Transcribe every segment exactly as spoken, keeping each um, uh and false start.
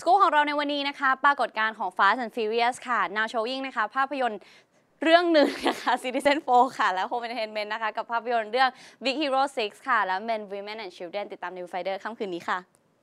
สกู๊ปของเราในวันนี้นะคะปรากฏการณ์ของ Fast and Furious ค่ะ Now Showing นะคะภาพยนตร์เรื่องหนึ่งนะคะ Citizen โฟร์ ค่ะและ Home Entertainment นะคะกับภาพยนตร์เรื่อง Big Hero ซิกซ์ ค่ะและ Men Women and Children ติดตามใน Viewfinder ค่ำคืนนี้ค่ะ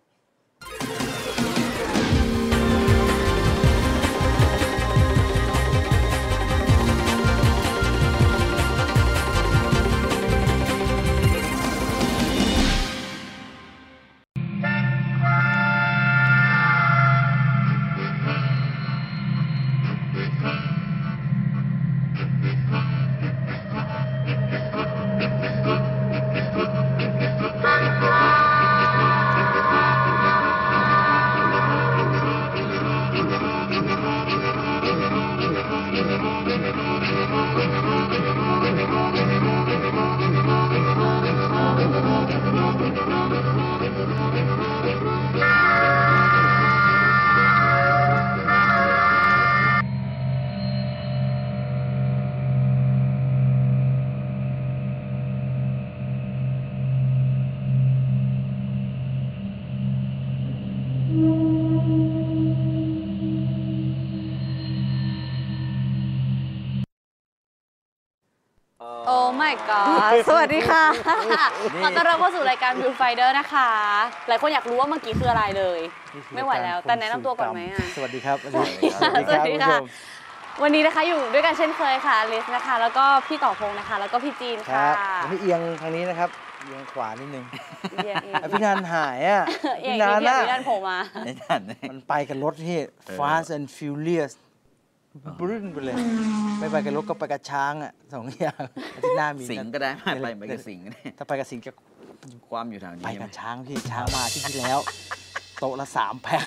โอ้ my god สวัสดีค่ะขอต้อนรับเข้าสู่รายการ Viewfinder นะคะหลายคนอยากรู้ว่าเมื่อกี้คืออะไรเลยไม่ไหวแล้วแต่แนะนำตัวก่อนไหมอ่ะสวัสดีครับสวัสดีค่ะสวัสดีค่ะวันนี้นะคะอยู่ด้วยกันเช่นเคยค่ะลิสนะคะแล้วก็พี่ต่อพงษ์นะคะแล้วก็พี่จีนค่ะวันนี้เอียงทางนี้นะครับเอียงขวานิดนึงพี่นันหายอ่ะพี่นันพี่นันโผล่มามันไปกับรถที่ Fast and Furiousบรึ้นไปเลยไม่ไปกับรถก็ไปกับช้างอ่ะสองอย่างที่หน้ามีสิงก็ได้ไม่ไปไปกับสิงถ้าไปกับสิงจะความอยู่ทางนี้ไปกับช้างพี่ช้างมาที่ที่แล้วโต๊ะละสามแพ็ค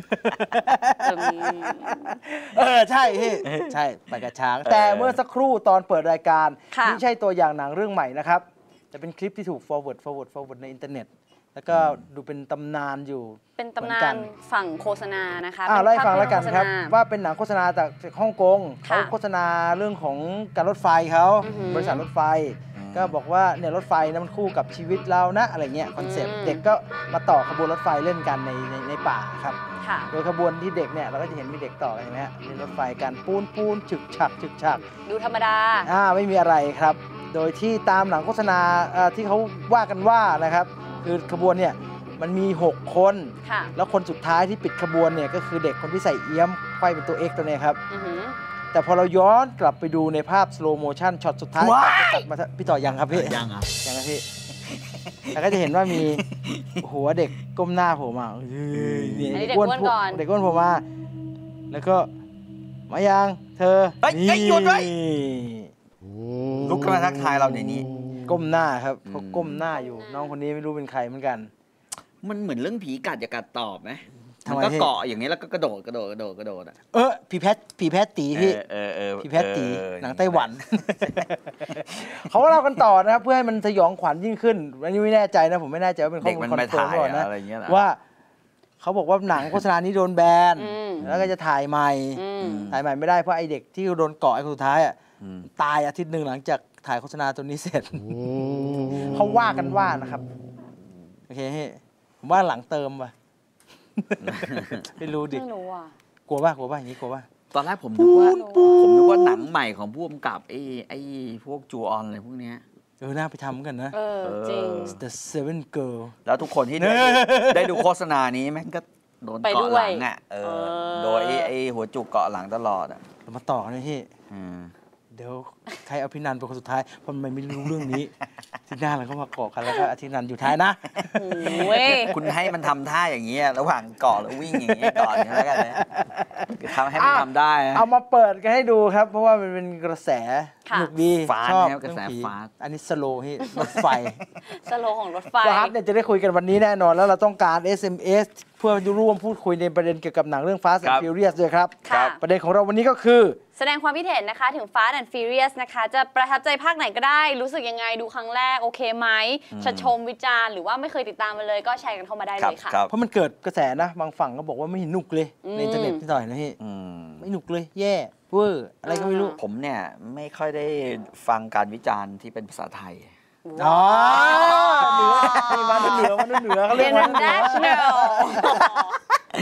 เออใช่พี่ใช่ไปกับช้างแต่เมื่อสักครู่ตอนเปิดรายการไม่ใช่ตัวอย่างหนังเรื่องใหม่นะครับจะเป็นคลิปที่ถูก forward forward forward ในอินเทอร์เน็ตแล้วก็ดูเป็นตำนานอยู่เป็นตำนานฝั่งโฆษณานะคะอ่าไล่ฟังแล้วกันครับว่าเป็นหนังโฆษณาจากฮ่องกงเขาโฆษณาเรื่องของการรถไฟเขาบริษัทรถไฟก็บอกว่าเนี่ยรถไฟนะมันคู่กับชีวิตเรานะอะไรเงี้ยคอนเซ็ปต์เด็กก็มาต่อขบวนรถไฟเล่นกันในในในป่าครับโดยขบวนที่เด็กเนี่ยเราก็จะเห็นมีเด็กต่อกันใช่ไหมฮะในรถไฟกันปูนปูนฉึกฉักฉึกฉักดูธรรมดาอ่าไม่มีอะไรครับโดยที่ตามหนังโฆษณาที่เขาว่ากันว่านะครับคือขบวนเนี่ยมันมีหกคนแล้วคนสุดท้ายที่ปิดขบวนเนี่ยก็คือเด็กคนที่ใส่เอี้ยมไขว้เป็นตัว X ตัวนี้ครับแต่พอเราย้อนกลับไปดูในภาพ slow motion ช็อตสุดท้ายตัดมาพี่ต่อยังครับพี่ยังอ่ะยังครับพี่แล้วก็จะเห็นว่ามีหัวเด็กก้มหน้าโผล่มาเด็กอ้วนก่อนเด็กอ้วนโผล่มาแล้วก็มายังเธอเฮ้ยหยุดไว้ลุกขึ้นมาทักทายเราในนี้ก้มหน้าครับเขาก้มหน้าอยู่น้องคนนี้ไม่รู้เป็นใครเหมือนกันมันเหมือนเรื่องผีกัดอย่ากัดตอบไหมมันก็เกาะอย่างนี้แล้วก็กระโดดกระโดดกระโดดกระโดดอ่ะเออผีแพทผีแพทตีพี่ผีแพทตีหนังไต้หวันเขาเล่ากันต่อนะครับเพื่อให้มันสยองขวัญยิ่งขึ้นอันนี้ไม่แน่ใจนะผมไม่แน่ใจว่าเป็นข้อมูลคอนเฟิร์มก่อนนะว่าเขาบอกว่าหนังโฆษณานี้โดนแบนแล้วก็จะถ่ายใหม่ถ่ายใหม่ไม่ได้เพราะไอเด็กที่โดนเกาะไอ้คนสุดท้ายอ่ะตายอาทิตย์หนึ่งหลังจากถ่ายโฆษณาตัวนี้เสร็จเขาว่ากันว่านะครับโอเคผมว่าหลังเติมว่ะไม่รู้ดิไม่รู้อ่ะกลัวป่ะกลัวป่ะอย่างนี้กลัวป่ะตอนแรกผมนึกว่าผมนึกว่าหนังใหม่ของผู้กำกับไอ้ไอ้พวกจูออนอะไรพวกเนี้ยเออน่าไปทำกันนะเออจริง The Seven Girl แล้วทุกคนที่ได้ดูโฆษณานี้แม่งก็โดนเกาะหลังอ่ะเออโดยไอ้หัวจุกเกาะหลังตลอดอ่ะเรามาต่อกันเลยพี่เดี๋ยวใครเอาพี่นันเป็นคนสุดท้ายเพราะมันไม่รู้เรื่องนี้ที่หน้าเราก็มาเกาะกันแล้วก็อาทิตย์นันอยู่ท้ายนะคุณให้มันทำท่าอย่างนี้ระหว่างเกาะแล้ววิ่งอย่างนี้ก่อนแล้วกันนะทำให้มันทำได้เอามาเปิดกันให้ดูครับเพราะว่ามันเป็นกระแสสนุกดีชอบกระแสฟาสอันนี้สโลว์ที่รถไฟสโลว์ของรถไฟฟาสเนี่ยจะได้คุยกันวันนี้แน่นอนแล้วเราต้องการ เอส เอ็ม เอส เพื่อร่วมพูดคุยในประเด็นเกี่ยวกับหนังเรื่อง Fast and Furious ด้วยครับประเด็นของเราวันนี้ก็คือแสดงความคิดเห็นนะคะถึง Fast and Furious นะคะจะประทับใจภาคไหนก็ได้รู้สึกยังไงดูครั้งแรกโอเคไหมจะชมวิจารณ์หรือว่าไม่เคยติดตามมาเลยก็แชร์กันเข้ามาได้เลยค่ะเพราะมันเกิดกระแสนะบางฝั่งก็บอกว่าไม่หนุกเลยในอินเทอร์เน็ตที่ต่อยนะพี่ไม่หนุกเลยแย่เวอร์อะไรก็ไม่รู้ผมเนี่ยไม่ค่อยได้ฟังการวิจารณ์ที่เป็นภาษาไทยอ๋อเหนือมันเหนือมันเหนือเขาเรียกว่า international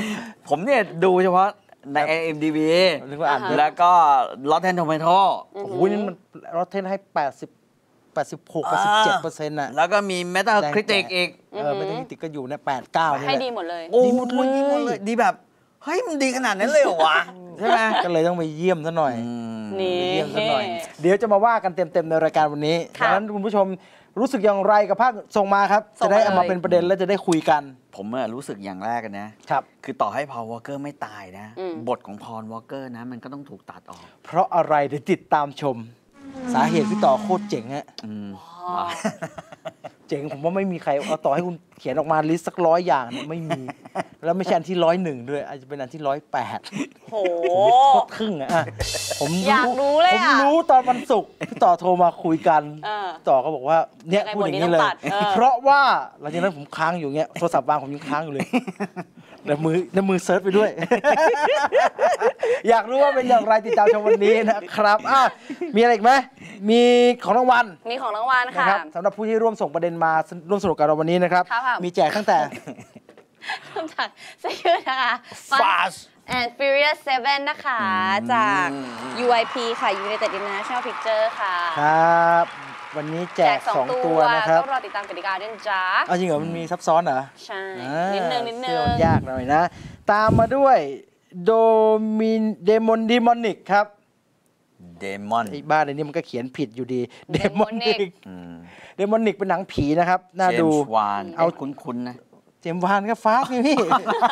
ผมเนี่ยดูเฉพาะใน ไอ เอ็ม ดี บีนึกว่าอ่านแล้วก็ Rotten Tomato โอ้โหนี่มันรอเทนให้แปดสิบ แปดสิบหก แปดสิบเจ็ดเปอร์เซ็นต์น่ะแล้วก็มี Metacritic อีกเออ Metacritic ก็อยู่ในแปด เก้านี่แหละให้ดีหมดเลยโอ้ดีหมดเลยดีหมดเลยดีแบบเฮ้ยมันดีขนาดนั้นเลยเหรอวะใช่ไหมก็เลยต้องไปเยี่ยมซะหน่อยนี่ไปเยี่ยมซะหน่อย เดี๋ยวจะมาว่ากันเต็มๆในรายการวันนี้ดังนั้นคุณผู้ชมรู้สึกอย่างไรกับภาพส่งมาครับจะได้เอามาเป็นประเด็นแล้วจะได้คุยกันผมรู้สึกอย่างแรกกันนะครับคือต่อให้พอลวอลเกอร์ไม่ตายนะบทของพอลวอลเกอร์นะมันก็ต้องถูกตัดออกเพราะอะไรเดี๋ยวติดตามชมสาเหตุพี่ต่อโคตรเจ๋งฮะเจ๋งผมว่าไม่มีใครเอาต่อให้คุณเขียนออกมาลิสต์สักร้อยอย่างเนี่ยไม่มีแล้วไม่ใช่อันที่ร้อยหนึ่งด้วยอาจจะเป็นอันที่ร้อยแปดโหโคตรครึ่งอะผมอยากรู้เลยผมรู้ตอนวันศุกร์พี่ต่อโทรมาคุยกันต่อก็บอกว่าเนี่ยพูดอย่างนี้เลยเพราะว่าหลังจากนั้นผมค้างอยู่เงี้ยโทรศัพท์วางผมยังค้างอยู่เลยในมือในมือเซิร์ชไปด้วยอยากรู้ว่าเป็นอย่างไรติดตามชมวันนี้นะครับอ่ะมีอะไรอีกไหมมีของรางวัลมีของรางวัลค่ะสำหรับผู้ที่ร่วมส่งประเด็นมาร่วมสนุกกับเราวันนี้นะครับมีแจกตั้งแต่คำสั่งเสื้อนะคะ Fast and Furious เซเว่นนะคะจาก ยู ไอ พี ค่ะ United International Picture ค่ะครับวันนี้แจกสองตัวนะครับต้องรอติดตามกติกาด้วยจ้าเอาจริงเหรอมันมีซับซ้อนเหรอใช่นิดนึงนิดนึงยากหน่อยนะตามมาด้วยโดมินเดมอนดิมอนิกครับเดมอนไอ้บ้านในนี้มันก็เขียนผิดอยู่ดีเดมอนิกเดมอนิกเป็นหนังผีนะครับน่าดูเอาคุ้นๆนะเจมส์วานก็ฟาสไงพี่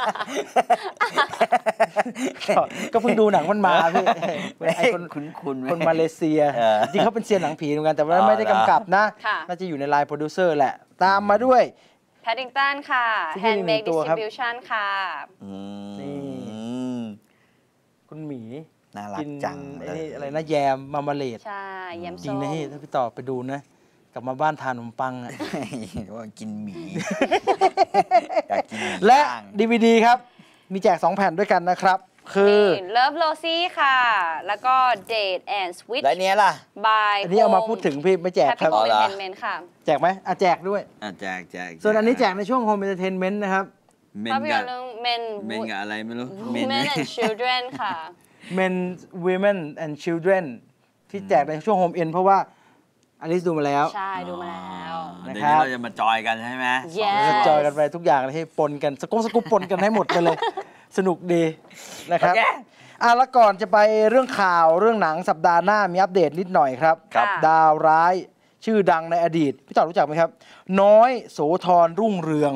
ก็เพิ่งดูหนังมันมาพี่ไอ้คนคุ้นๆคนมาเลเซียจริงเขาเป็นเซียนหนังผีเหมือนกันแต่ว่าไม่ได้กำกับนะน่าจะอยู่ในไลน์โปรดิวเซอร์แหละตามมาด้วยแพดดิงตันค่ะ Handmade Distribution ค่ะนี่คุณหมีน่ารักจังนี่อะไรนะแยมมามาเลดใช่แยมส้มจริงนะพี่ถ้าพี่ต่อไปดูนะกลับมาบ้านทานขนมปังอ่ะว่ากินหมีอยากกินและ ดี วี ดี ครับมีแจกสองแผ่นด้วยกันนะครับคือ Love Rosie ค่ะ แล้วก็ Date and Switch แล้วเนี้ยล่ะ by อันนี้เอามาพูดถึงพี่ไม่แจกครับ Happy Home Entertainment ค่ะแจกไหมอ่ะแจกด้วยอ่ะแจกแจกส่วนอันนี้แจกในช่วง Home Entertainment นะครับภาพยนตร์เรื่อง Men Men กับอะไรไม่รู้ Men and Children ค่ะ Men Women and Children ที่แจกในช่วง Home End เพราะว่าอลิซดูมาแล้วใช่ดูมาแล้วนะครับเราจะมาจอยกันใช่ไหมจะจอยกันไปทุกอย่างเลยให้ปนกันสกุ๊ปสกุ๊ปปนกันให้หมดไปเลยสนุกดีนะครับอ่ะแล้วก่อนจะไปเรื่องข่าวเรื่องหนังสัปดาห์หน้ามีอัปเดตนิดหน่อยครับดาวร้ายชื่อดังในอดีตพี่ต่อรู้จักไหมครับน้อยโสธรรุ่งเรือง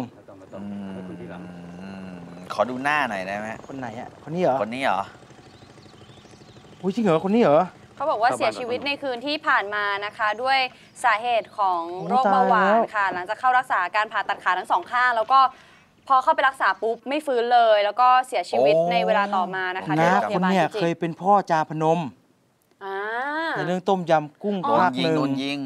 ขอดูหน้าหน่อยได้ไหมคนไหนอ่ะคนนี้เหรอคนนี้เหรออุ้ยจริงเหรอคนนี้เหรอเขาบอกว่าเสียชีวิตในคืนที่ผ่านมานะคะด้วยสาเหตุของโรคเบาหวานค่ะหลังจากเข้ารักษาการผ่าตัดขาทั้งสองข้างแล้วก็พอเข้าไปรักษาปุ๊บไม่ฟื้นเลยแล้วก็เสียชีวิตในเวลาต่อมานะคะที่โรงพยาบาลจริงๆเคยเป็นพ่อจาพนมในเรื่องต้มยำกุ้งภาคหนึ่งโดนยิง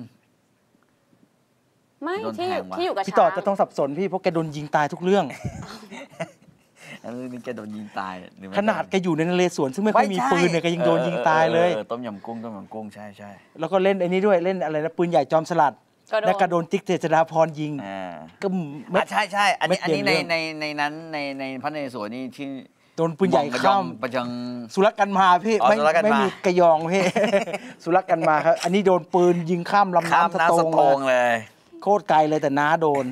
ไม่ที่ที่อยู่กับช้างพี่ต่อจะต้องสับสนพี่เพราะแกโดนยิงตายทุกเรื่องเรื่องนี้แกโดนยิงตายขนาดแกอยู่ในนเรศวรซึ่งไม่ค่อยมีปืนเนี่ยแกยังโดนยิงตายเลยต้มยำกุ้งต้มยำกุ้งใช่ใช่แล้วก็เล่นไอ้นี้ด้วยเล่นอะไรนะปืนใหญ่จอมสลัดแล้วก็โดนติ๊กเจษฎาพรยิงก็ใช่ใช่อันนี้อันนี้ในในในนั้นในในพระนเรศวรนี่ที่โดนปืนใหญ่ข้ามประจังสุรกันมาพี่ไม่ไม่มีกระยองพี่สุรกันมาครับอันนี้โดนปืนยิงข้ามลำน้ำสตงเลยโคตรไกลเลยแต่น้าโดน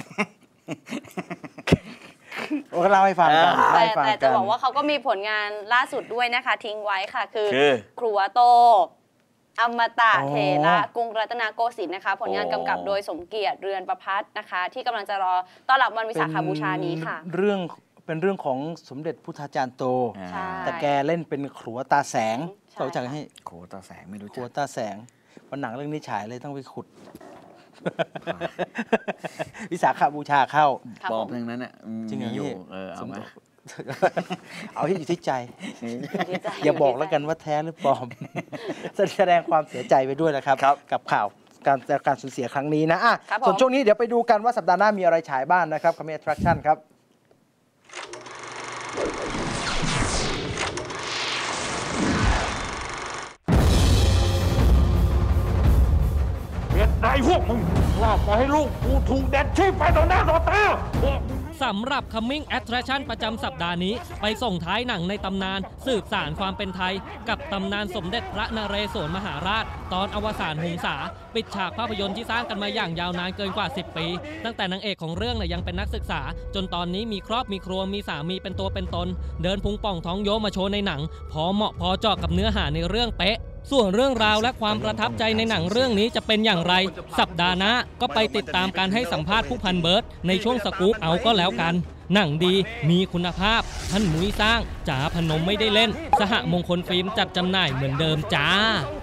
โอ้ก็เล่าให้ฟังกันแต่แต่จะบอกว่าเขาก็มีผลงานล่าสุดด้วยนะคะทิ้งไว้ค่ะคือครัวโตอมตะเถระกรุงรัตนโกสินทร์นะคะผลงานกำกับโดยสมเกียรติเรือนประภัสนะคะที่กำลังจะรอต้อนรับวันวิสาขบูชานี้ค่ะเรื่องเป็นเรื่องของสมเด็จพุทธาจารย์โตแต่แกเล่นเป็นขรัวตาแสงเขารู้จักให้ขรัวตาแสงไม่รู้จักขรัวตาแสงวันหนังเรื่องนี้ฉายเลยต้องไปขุดวิสาขบูชาเข้าปอบทั้งนั้นอ่ะจริงอยู่เออเอามาเอาที่อยู่ที่ใจอย่าบอกแล้วกันว่าแท้หรือปลอมแสดงความเสียใจไปด้วยนะครับกับข่าวการการสูญเสียครั้งนี้นะอ่ะส่วนช่วงนี้เดี๋ยวไปดูกันว่าสัปดาห์หน้ามีอะไรฉายบ้างนะครับคอมเมดี้แอทแทรคชั่นครับนายพวกมึงว่าปล่อยให้ลูกกูถูกแดดชีพไปต่อหน้าต่อตาพวกมึงสำหรับ Coming Attraction ประจำสัปดาห์นี้ไปส่งท้ายหนังในตำนานสืบสานความเป็นไทยกับตำนานสมเด็จพระนเรศวรมหาราชตอนอวสานหงสาปิดฉากภาพยนตร์ที่สร้างกันมาอย่างยาวนานเกินกว่าสิบปีตั้งแต่นางเอกของเรื่องเนี่ยยังเป็นนักศึกษาจนตอนนี้มีครอบมีครัวมีสามีเป็นตัวเป็นตนเดินพุงป่องท้องโยมาโชว์ในหนังพอเหมาะพอเจาะกับเนื้อหาในเรื่องเป๊ะส่วนเรื่องราวและความประทับใจในหนังเรื่องนี้จะเป็นอย่างไรสัปดาห์หน้าก็ไปติดตามการให้สัมภาษณ์ผู้พันเบิร์ดในช่วงสกู๊ปเอาก็แล้วกันหนังดีมีคุณภาพท่านมุ้ยสร้างจ๋าพนมไม่ได้เล่นสหมงคลฟิล์มจัดจำหน่ายเหมือนเดิมจ้า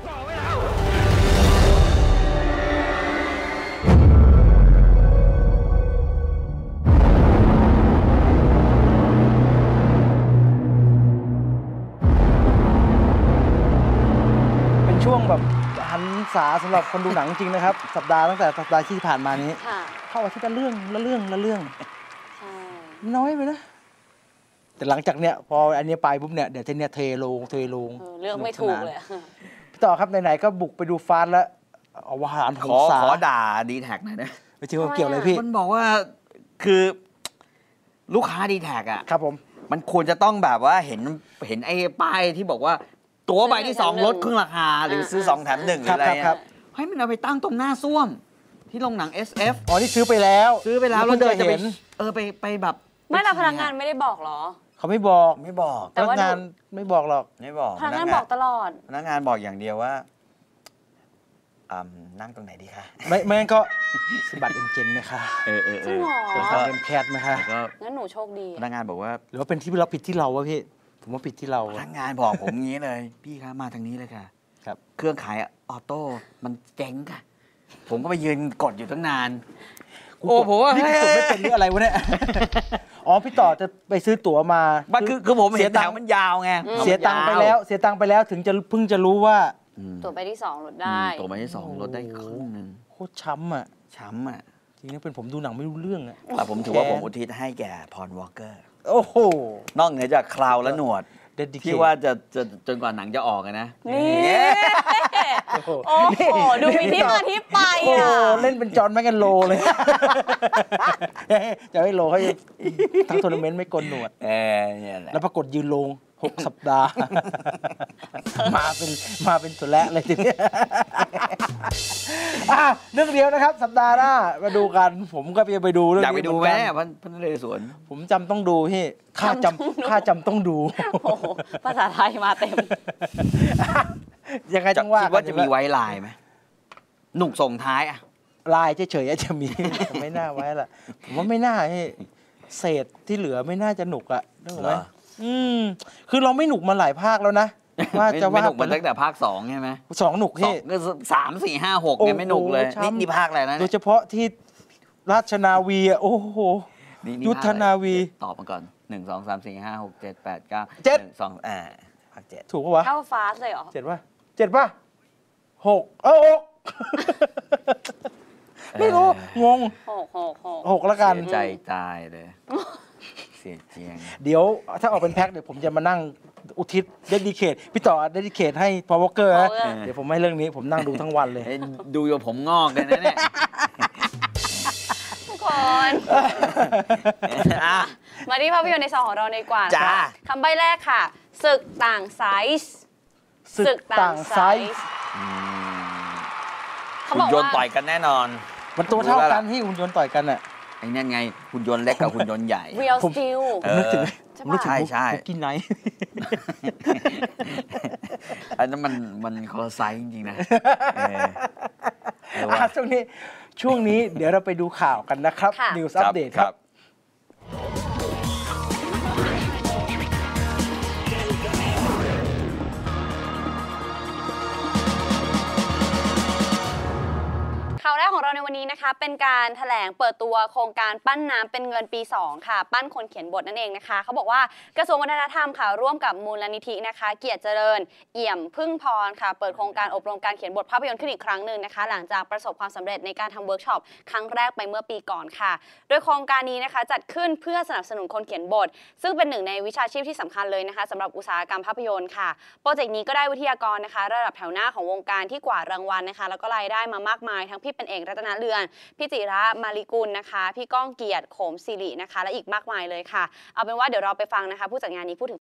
ช่วงแบบหันษาสำหรับคนดูหนังจริงนะครับสัปดาห์ตั้งแต่สัปดาห์ที่ผ่านมานี้เข้าอาทิตย์ละเรื่องละเรื่องละเรื่องน้อยไปนะแต่หลังจากเนี้ยพออันนี้ไปปุ๊บเนี่ยเดี๋ยวจะเนี่ยเทลงเทลงเรื่องไม่ถูกเลยพี่ต่อครับไหนๆก็บุกไปดูฟาสแล้วเอาวหารของสาขอด่าดีแท็กหน่อยนะไม่ใช่ว่าเกี่ยวอะไรพี่มันบอกว่าคือลูกค้าดีแท็กอ่ะครับผมมันควรจะต้องแบบว่าเห็นเห็นไอ้ป้ายที่บอกว่าตั๋วใบที่สองลดครึ่งราคาหรือซื้อสองแถมหนึ่งอะไรครับให้มันเอาไปตั้งตรงหน้าส้วมที่โรงหนัง เอส เอฟอ๋อนี่ซื้อไปแล้วซื้อไปแล้วแล้วเดินจะไปเออไปไปแบบไม่ละพนักงานไม่ได้บอกหรอเขาไม่บอกไม่บอกพนักงานไม่บอกหรอกไม่บอกพนักงานบอกตลอดพนักงานบอกอย่างเดียวว่านั่งตรงไหนดีคะไม่ไม่งั้นก็สบัดเอ็นเจนไหมคะเออเออจริงเหรอเป็นการเป็นแคทไหมคะงั้นหนูโชคดีพนักงานบอกว่าหรือว่าเป็นที่เราผิดที่เราวะพี่ผมว่าผิดที่เราพนักงานบอกผมงี้เลยพี่คะมาทางนี้เลยค่ะครับเครื่องขายออโต้มันเจ๊งค่ะผมก็ไปยืนกดอยู่ตั้งนานโอ้ผมว่านี่กดไม่เป็นหรืออะไรวะเนี่ยอ๋อพี่ต่อจะไปซื้อตั๋วมาบ้าคือคือผมเห็นแถวมันยาวไงเสียตังค์ไปแล้วเสียตังค์ไปแล้วถึงจะเพิ่งจะรู้ว่าตั๋วใบที่สองลดได้ตั๋วใบที่สองลดได้ครึ่งนึงโคตรช้ำอ่ะช้ำอ่ะจริงๆเป็นผมดูหนังไม่รู้เรื่องอ่ะแต่ผมถือว่าผมอุทิศให้แก่พรวอลเกอร์โอ้โหนอกเหนือจากคราวและหนวดที่ว่าจะจะจนกว่าหนังจะออกนะนี่โอ้โหดูมีที่มาที่ไปอ่ะเล่นเป็นจอห์นแมคแอนโลเลยจะให้โลเขาทั้งทัวร์นาเมนต์ไม่กลหนวดแล้วปรากฏยืนลงหกสัปดาห์มาเป็นมาเป็นตัวแรกเลยทีนี้เรื่องเดียวนะครับสัปดาห์หน้ามาดูกันผมก็ไปดูเรื่องนี้อยากไปดูไหมพันนเรศวรผมจำต้องดูพี่ข้าจำข้าจำต้องดูโอ้โหภาษาไทยมาเต็มยังไงจังว่าคิดว่าจะมีไว้ลายไหมหนุกส่งท้ายอะลายเฉยๆจะมีไม่น่าไว้ละผมว่าไม่น่าพี่เศษที่เหลือไม่น่าจะหนุกอะนึกออกไหมอืมคือเราไม่หนุกมาหลายภาคแล้วนะว่าจะว่าหนุกมาตั้งแต่ภาคสองใช่ไหมสองหนุกที่สามสี่ห้าหกเนี่ยไม่หนุกเลยนี่นี่ภาคอะไรนะโดยเฉพาะที่ราชนาวีอ่ะโอ้โหยุทธนาวีตอบมาก่อนหนึ่งสองสามสี่ห้าหกเจ็ดแปดเก้าเจ็ดสองอ่าภาคเจ็ดถูกปะวะเข้าฟาสเลยเหรอเจ็ดป่ะเจ็ดป่ะหกเออหกไม่รู้งงหกหกหกหกแล้วกันเสียใจตายเลยเสียเจียงเดี๋ยวถ้าออกเป็นแพ็คเดี๋ยวผมจะมานั่งอุทิศเดดิเคทพี่ต่อเดดิเคทให้พาวเวอร์เกอร์นะเดี๋ยวผมให้เรื่องนี้ผมนั่งดูทั้งวันเลยดูอยู่ผมงอกเลยนะเนี่ยทุกคนมาที่ภาพยนตร์ในซองของเราในกว่าคำใบ้แรกค่ะศึกต่างไซส์ศึกต่างไซส์หุ่นยนต์ต่อยกันแน่นอนมันตัวเท่ากันที่หุ่นยนต์ต่อยกันอ่ะไอ้นั่นไงหุ่นยนต์เล็กกับหุ่นยนต์ใหญ่ Real Steel ผมนึกถึงผมนึกถึงใช่ใช่กินไหนอันนั้นมันมันคอไซส์จริงๆนะช่วงนี้ช่วงนี้เดี๋ยวเราไปดูข่าวกันนะครับ News Update ครับข่าวแรกของเราในวันนี้นะคะเป็นการแถลงเปิดตัวโครงการปั้นน้ำเป็นเงินปีสองค่ะปั้นคนเขียนบทนั่นเองนะคะเขาบอกว่ากระทรวงวัฒนธรรมค่ะร่วมกับมูลนิธินะคะเกียรติเจริญเอี่ยมพึ่งพรค่ะเปิดโครงการอบรมการเขียนบทภาพยนตร์ขึ้นอีกครั้งหนึ่งนะคะหลังจากประสบความสำเร็จในการทำเวิร์กช็อปครั้งแรกไปเมื่อปีก่อนค่ะโดยโครงการนี้นะคะจัดขึ้นเพื่อสนับสนุนคนเขียนบทซึ่งเป็นหนึ่งในวิชาชีพที่สำคัญเลยนะคะสำหรับอุตสาหกรรมภาพยนตร์ค่ะโปรเจกต์นี้ก็ได้วิทยากรนะคะระดับแถวหน้าของวงการที่กวาดรางวัลนะคะแล้วก็รายได้มามากมายทั้งพี่เป็นเอกรัตนเรือนพี่จิระมาริกุลนะคะพี่ก้องเกียรติโขมศิรินะคะและอีกมากมายเลยค่ะเอาเป็นว่าเดี๋ยวเราไปฟังนะคะผู้จัดงานนี้พูดถึง